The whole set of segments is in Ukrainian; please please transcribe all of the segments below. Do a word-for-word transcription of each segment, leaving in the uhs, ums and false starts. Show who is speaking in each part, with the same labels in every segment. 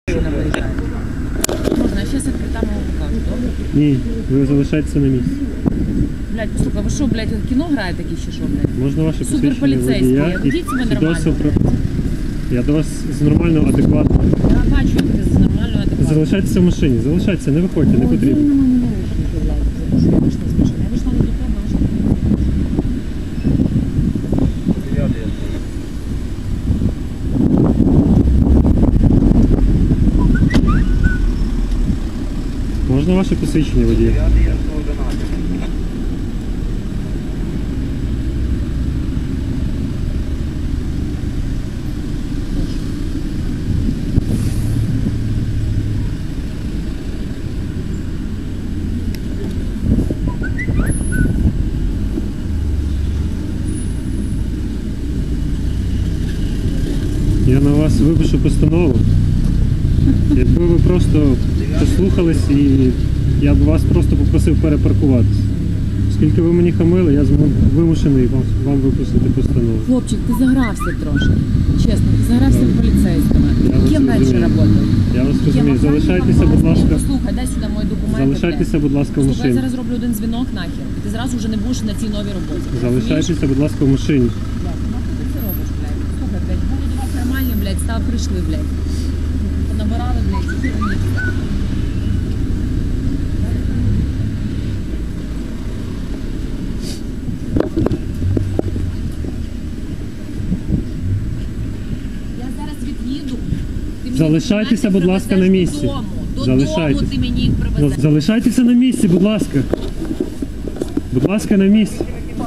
Speaker 1: машина виїжджає. Можна, я зараз відкрита мого покажу, добре?
Speaker 2: Ні, ви залишаєтеся на місці.
Speaker 1: Блядь, послухай, ви що, блядь, кіно граєте такі ще що, блядь?
Speaker 2: Можна ваше посвідчення
Speaker 1: Суперполіцейські,
Speaker 2: водія і
Speaker 1: ведіть себе
Speaker 2: свідоцтво
Speaker 1: нормально.
Speaker 2: про... Я до вас з нормально, адекватно.
Speaker 1: Я бачу, як ти з нормальною адекватною.
Speaker 2: Залишайтеся в машині, залишайтеся, не виходьте, не потрібно.
Speaker 1: Я вийшла з машини, я вийшла не до тебе, а вийшла до тебе.
Speaker 2: Можна ваше посвідчення водія? Я на вас випишу постанову. Якби ви просто послухались і я б вас просто попросив перепаркуватися. Оскільки ви мені хамили, я вимушений вам, вам випустити постанову.
Speaker 1: Хлопчик, ти загрався трошки. Чесно, ти загрався в поліцейськими. Ким раніше працював?
Speaker 2: Я вас розумію. Залишайтеся, будь ласка.
Speaker 1: Послухай, дай сюди мої документи.
Speaker 2: Залишайтеся, будь ласка, в
Speaker 1: Слухай, я
Speaker 2: машині.
Speaker 1: зараз роблю один дзвінок нахер. І ти зразу вже не будеш на цій новій роботі.
Speaker 2: Залишайтеся, будь ласка, в машині.
Speaker 1: Блядь, нахуй ти це робиш, блядь? Слухай, блядь, були до вас нормальні, блядь, став прийшли, блядь. Понабирали, блядь, ці херні. Я зараз від'їду. Ти мені
Speaker 2: Залишайтеся, будь ласка, на
Speaker 1: привезеш
Speaker 2: місці.
Speaker 1: Додому. Додому
Speaker 2: Залишайтеся.
Speaker 1: ти мені їх
Speaker 2: Ну,
Speaker 1: привезеш.
Speaker 2: залишайтеся на місці, будь ласка. Будь ласка, на місці.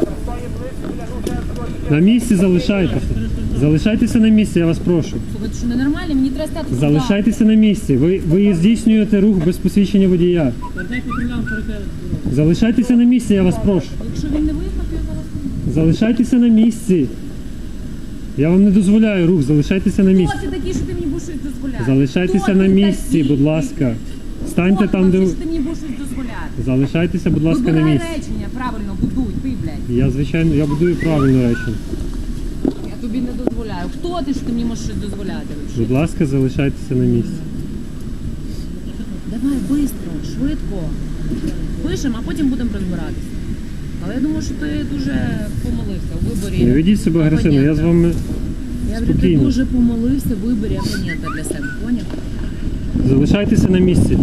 Speaker 2: На місці залишайтеся. Залишайтеся на місці, я вас прошу.
Speaker 1: Слухай, ти що, ненормальний? Мені треба стати туди.
Speaker 2: Залишайтеся на місці. Ви, ви здійснюєте рух без посвідчення водія. Залишайтеся на місці, я вас прошу.
Speaker 1: Якщо він не виїхав, то я зараз...
Speaker 2: Залишайтеся на місці. Я вам не дозволяю рух, залишайтеся на місці.
Speaker 1: Хто ти такий, що ти мені будеш щось дозволяти?
Speaker 2: Залишайтеся
Speaker 1: Хто
Speaker 2: на
Speaker 1: ти
Speaker 2: місці,
Speaker 1: такий?
Speaker 2: будь ласка. Станьте
Speaker 1: Хто
Speaker 2: там,
Speaker 1: ти
Speaker 2: де...
Speaker 1: такий, що ти мені будеш щось дозволяти?
Speaker 2: Залишайтеся, будь ласка, на
Speaker 1: Вибирай
Speaker 2: місці.
Speaker 1: речення, правильно, будуй, ти, блядь.
Speaker 2: Я, звичайно, я будую правильно речення.
Speaker 1: Я тобі не дозволяю. Хто ти, що ти мені можеш щось дозволяти?
Speaker 2: Будь ласка, залишайтеся на місці.
Speaker 1: Давай, швидко, швидко. Пишемо, а потім будемо розбиратися. Але я думаю, що ти дуже помолився у виборі.
Speaker 2: Не ведіть себе агресивно, я з вами
Speaker 1: Я говорю, ти
Speaker 2: спокійно.
Speaker 1: дуже помолився в виборі абонента для себе, поняв?
Speaker 2: Залишайтеся на місці.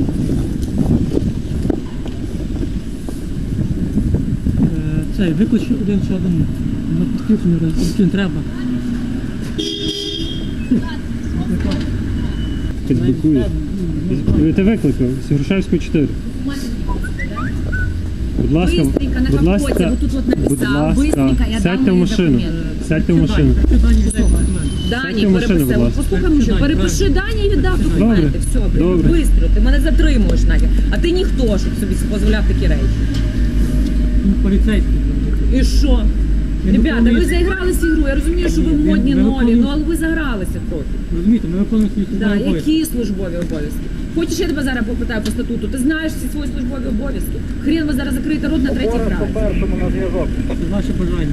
Speaker 3: Цей, виклич один чи один. На підключення, який треба.
Speaker 2: Підблокують. Ти викликав з Грушевського чотири. Будь ласка,
Speaker 1: Бистренько, на
Speaker 2: будь
Speaker 1: капоті,
Speaker 2: ласка,
Speaker 1: отут от написав,
Speaker 2: будь ласка,
Speaker 1: бистренько, я дам
Speaker 2: сядьте в
Speaker 1: мої
Speaker 2: машину.
Speaker 1: документи.
Speaker 2: Сядьте в машину.
Speaker 1: Дані
Speaker 2: Сядьте в машину,
Speaker 1: переписав.
Speaker 2: будь ласка.
Speaker 1: Послухай, що перепиши Дані і віддав документи.
Speaker 2: Добре.
Speaker 1: Все, блін,
Speaker 2: Добре.
Speaker 1: бистро. Ти мене затримуєш нахер. А ти ніхто, щоб собі дозволяв такі речі.
Speaker 3: Ну, поліцейський.
Speaker 1: І що?
Speaker 3: Я
Speaker 1: Ребята,
Speaker 3: виконую-
Speaker 1: ви заігралися ігру. Я розумію, що ви
Speaker 3: Я-
Speaker 1: модні
Speaker 3: я
Speaker 1: нові,
Speaker 3: виконую-
Speaker 1: ну але ви загралися трохи.
Speaker 3: Розумієте, ми виконуємо свої
Speaker 1: Да,
Speaker 3: службові обов'язки.
Speaker 1: які службові обов'язки? Хочеш, я тебе зараз попитаю по статуту? Ти знаєш всі свої службові обов'язки? Хрен ви зараз закриєте рот на третій фразі.
Speaker 4: Першому на зв'язок.
Speaker 3: Це ваше бажання.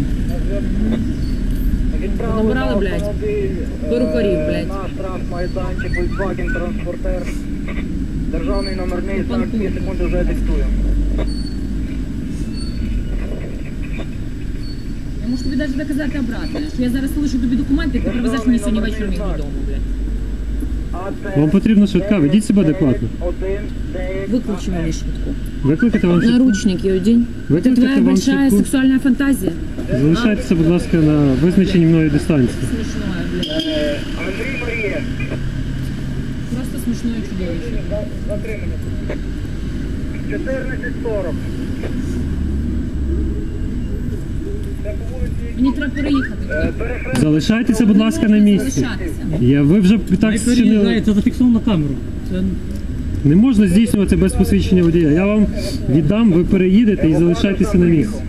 Speaker 1: Набирали, блядь, перукарів, блядь.
Speaker 4: На штраф майданчик, Volkswagen Transporter. Державний номерний знак,
Speaker 1: Панкур.
Speaker 4: дві секунди вже диктую.
Speaker 1: Я можу тобі навіть доказати обратно, що я зараз залишу тобі документи, і ти привезеш мені сьогодні вечором їх додому, блядь.
Speaker 2: Вам потрібна швидка, ведіть себе адекватно.
Speaker 1: Выключи мені швидку.
Speaker 2: Викликати вам швидку.
Speaker 1: Наручники одень. Это
Speaker 2: Викликати
Speaker 1: твоя
Speaker 2: вам
Speaker 1: большая
Speaker 2: швидку.
Speaker 1: сексуальная фантазия?
Speaker 2: Залишайтеся, будь ласка, на визначеній мною дистанції.
Speaker 1: Смешное, блядь.
Speaker 4: Андрій Марія.
Speaker 1: Просто смешное чудовище.
Speaker 4: Затримання. чотирнадцять сорок. Це по вулиці.
Speaker 1: Мені треба переїхати.
Speaker 4: Е, перехрест-
Speaker 2: Залишайтеся, будь ласка, на місці.
Speaker 1: Залишатися.
Speaker 2: Я, ви вже так
Speaker 3: Хай переїжджає,
Speaker 2: зчинили.
Speaker 3: це зафіксовано на камеру. Це
Speaker 2: Не можна здійснювати без посвідчення водія. Я вам віддам, ви переїдете і залишайтеся на місці.